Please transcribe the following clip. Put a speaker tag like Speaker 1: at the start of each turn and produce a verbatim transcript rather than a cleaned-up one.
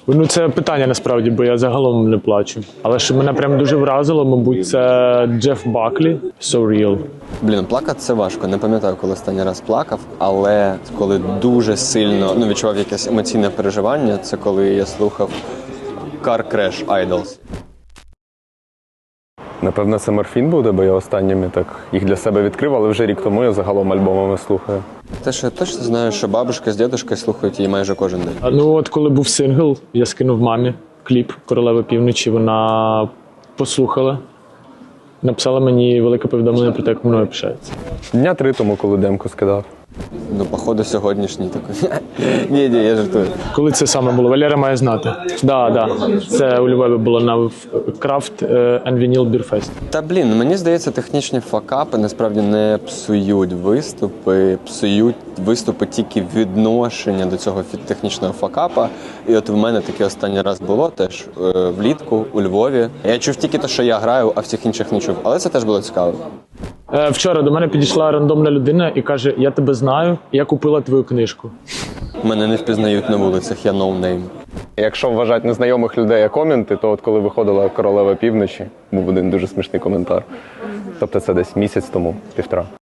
Speaker 1: Ну, це питання насправді, бо я загалом не плачу. Але що мене прям дуже вразило, мабуть, це Джеф Баклі «So Real».
Speaker 2: Блін, плакати це важко. Не пам'ятаю, коли останній раз плакав, але коли дуже сильно ну, відчував якесь емоційне переживання, це коли я слухав Car Crash Idols.
Speaker 3: Напевно, це Морфін буде, бо я останніми так їх для себе відкрив, але вже рік тому я загалом альбомами слухаю.
Speaker 2: Те, що я точно знаю, що бабушка з дідушкою слухають її майже кожен день.
Speaker 1: А, Ну от коли був сингл, я скинув мамі кліп «Королева півночі», вона послухала, написала мені велике повідомлення про те, як мною пишається.
Speaker 3: Дня три тому, коли демку скидав.
Speaker 2: Ну, походу, сьогоднішній такий. Ні, ні, я жартую.
Speaker 1: Коли це саме було? Валера має знати. Так, да, да. Це у Львові було на Craft and Vinyl Beer Fest.
Speaker 2: Та блін, мені здається, технічні факапи насправді не псують виступи, псують виступи тільки відношення до цього технічного факапа. І от в мене таке останній раз було теж е, влітку у Львові. Я чув тільки те, що я граю, а всіх інших не чув. Але це теж було цікаво.
Speaker 1: Е, Вчора до мене підійшла рандомна людина і каже: я тебе знаю, я купила твою книжку.
Speaker 2: Мене не впізнають на вулицях, я ноунейм.
Speaker 3: Якщо вважати незнайомих людей як коменти, то от коли виходила «Королева півночі», був один дуже смішний коментар. Тобто це десь місяць тому, півтора.